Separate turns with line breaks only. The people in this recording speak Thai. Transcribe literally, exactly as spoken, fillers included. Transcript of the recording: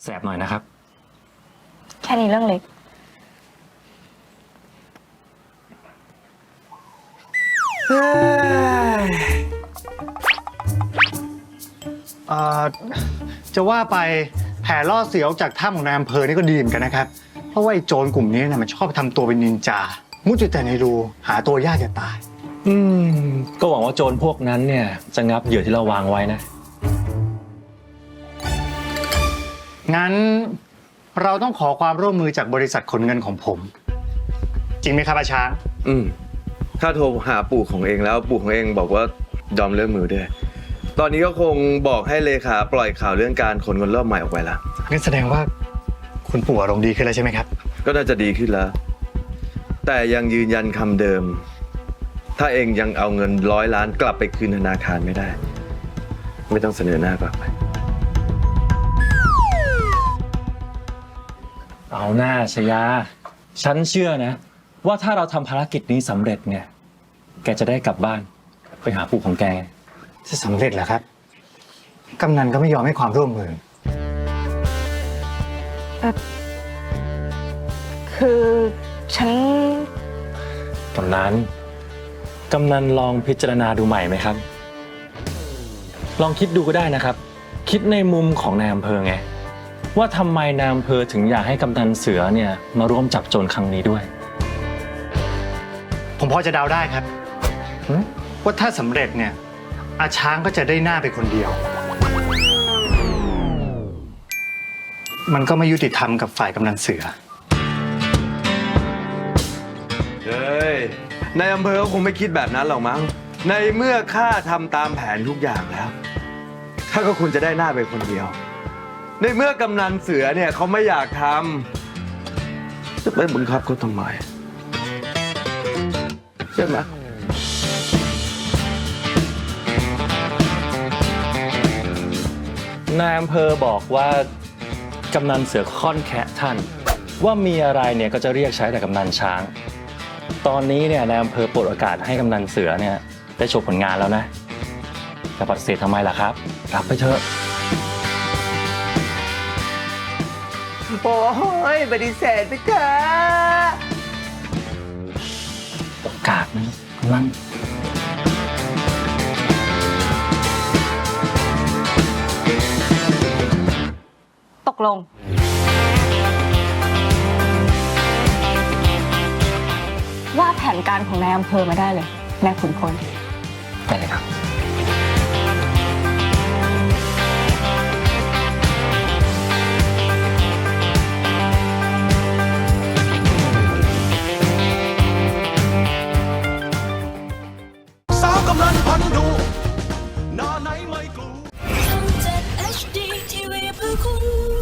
แสบหน่อยนะครับ
แค่นี้เรื่องเล็ก
เอ่อจะว่าไปแผลล่อเสือออกจากถ้ำของนายอำเภอนี่ก็ดีเหมือนกันนะครับ เพราะว่าไอ้โจรกลุ่มนี้นะมันชอบทำตัวเป็นนินจา มุดอยู่แต่ในรูหาตัวยากจะตาย
อืมก็หวังว่าโจรพวกนั้นเนี่ยจะงับเหยื่อที่เราวางไว้นะ
งั้นเราต้องขอความร่วมมือจากบริษัทขนเงินของผม จริงไหมครับอาช้าง
อืมข้าโทรหาปู่ของเองแล้วปู่ของเองบอกว่ายอมเลิกมือด้วยตอนนี้ก็คงบอกให้เลขาปล่อยข่าวเรื่องการขนเงินรอบใหม่ออกไปละ
งั้นแสดงว่าคุณปู่อารมณ์ดีขึ้นแล้วใช่ไหมครับ
ก็น่าจะดีขึ้นแล้วแต่ยังยืนยันคำเดิมถ้าเองยังเอาเงินร้อยล้านกลับไปคืนธนาคารไม่ได้ไม่ต้องเสนอหน้ากลับไป
เอาหน้าชยาฉันเชื่อนะว่าถ้าเราทำภารกิจนี้สำเร็จเนี่ยแกจะได้กลับบ้านไปหาปู่ของแก
จะสำเร็จเหรอครับกำนันก็ไม่ยอมให้ความร่วมมือ
คือฉัน
กำนันกำนันลองพิจารณาดูใหม่ไหมครับลองคิดดูก็ได้นะครับคิดในมุมของนายอำเภอไงว่าทำไมนายอำเภอถึงอยากให้กำนันเสือเนี่ยมาร่วมจับโจรครั้งนี้ด้วย
ผมพอจะเดาได้ครับว่าถ้าสำเร็จเนี่ยอาช้างก็จะได้หน้าไปคนเดียวมันก็ไม่ยุติธรรมกับฝ่ายกำนันเสือ
เฮ้ยนายอำเภอก็คงไม่คิดแบบนั้นหรอกมั้งในเมื่อข้าทำตามแผนทุกอย่างแล้วข้าก็ควรจะได้หน้าไปคนเดียวในเมื่อกำนันเสือเนี่ยเขาไม่อยากทำจะไปบังคับเขาทำไมใช่ไหม
นายอำเภอบอกว่ากำนันเสือค่อนแคะท่านว่ามีอะไรเนี่ยก็จะเรียกใช้แต่กำนันช้างตอนนี้เนี่ยนายอำเภอเปิดโอกาสให้กำนันเสือเนี่ยได้โชว์ผลงานแล้วนะจะปฏิเสธทำไมล่ะครับรับไปเถอะ
โอ้ยปฏิเสธไปเถอะ
โอกาสนะกำนัน
ตกลงว่าแผนการของนายอำเภอมาได้เลยนายขุนพล
ได้เลยครับ
สาวกำลังพันดูหน้าไหนไม่กลัวทำเจ็ด เอช ดี ที วี เพื่อคุณ